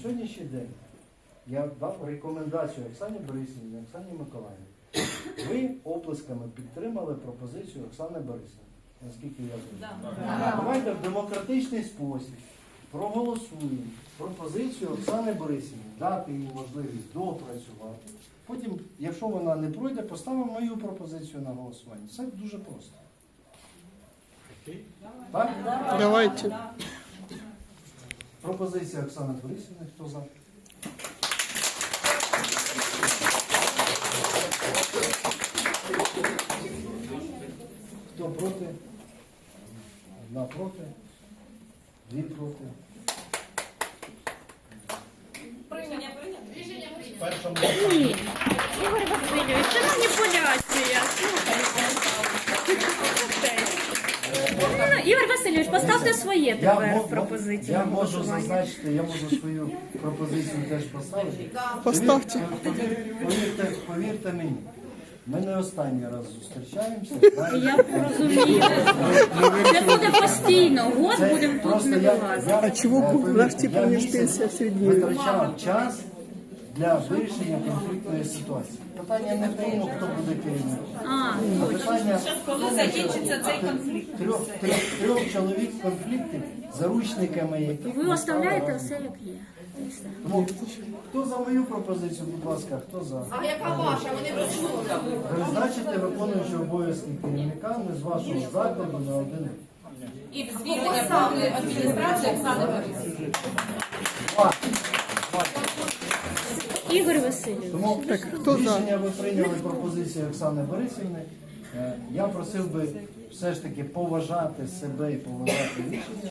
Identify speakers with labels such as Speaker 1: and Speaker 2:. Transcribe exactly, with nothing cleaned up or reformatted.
Speaker 1: сьогоднішній день я дав рекомендацію Оксані Борисівні, Оксані Миколаївні. Ви оплесками підтримали пропозицію Оксани Борисівни, наскільки я знаю.
Speaker 2: Да.
Speaker 1: Давайте в демократичний спосіб проголосуємо пропозицію Оксани Борисівни, дати їй можливість доопрацювати. Потім, якщо вона не пройде, поставимо мою пропозицію на голосування. Це дуже просто. Так?
Speaker 3: Давайте.
Speaker 1: Пропозиція Оксани Борисівни. Хто за? Хто проти? Одна проти. Дві проти.
Speaker 2: Рішення прийнято. Рішення прийнято.
Speaker 1: Першому.
Speaker 3: Ні. Ігор Васильович, це маніпуляція. Слухайте. Ігор Васильович, поставте своє
Speaker 1: Я,
Speaker 3: тепер
Speaker 1: мо-
Speaker 3: пропозицію.
Speaker 1: я
Speaker 3: на
Speaker 1: можу
Speaker 3: голосування.
Speaker 1: зазначити, я можу свою пропозицію теж поставити.
Speaker 3: Поставте.
Speaker 1: Повір- Повірте, повірте мені, ми не останній раз зустрічаємося.
Speaker 3: Я розумію. Це буде постійно. Год
Speaker 1: Це
Speaker 3: будемо тут
Speaker 1: просто
Speaker 3: не
Speaker 1: я-
Speaker 3: вилазити.
Speaker 1: я-
Speaker 4: А чего
Speaker 1: е, повірте,
Speaker 4: наш типа
Speaker 1: я
Speaker 4: не
Speaker 1: місяць
Speaker 4: пенсия средняя?
Speaker 1: витрачав час для вирішення конфліктної ситуації. Питання не в тому, хто буде керівником.
Speaker 3: А,
Speaker 1: А питання
Speaker 2: Коли закінчиться цей конфлікт?
Speaker 1: трьох, трьох, трьох чоловік конфліктів, заручниками яких
Speaker 3: ви
Speaker 1: ми
Speaker 3: оставляєте
Speaker 1: стали
Speaker 3: все
Speaker 1: разом.
Speaker 3: як є. І все.
Speaker 1: Тому, хто за мою пропозицію, будь ласка, хто за?
Speaker 2: А яка ваша? Вони працюють.
Speaker 1: Призначити виконуючого обов'язки керівника не з вашого закладу на один рік.
Speaker 2: І звільнення правої адміністрації Оксани Борисівни.
Speaker 1: Два.
Speaker 3: Ігор Васильович.
Speaker 1: Тому
Speaker 4: хто за?
Speaker 1: рішення ви прийняли пропозицію Оксани Борисівни. Е, Я просив би все ж таки поважати себе і поважати рішення.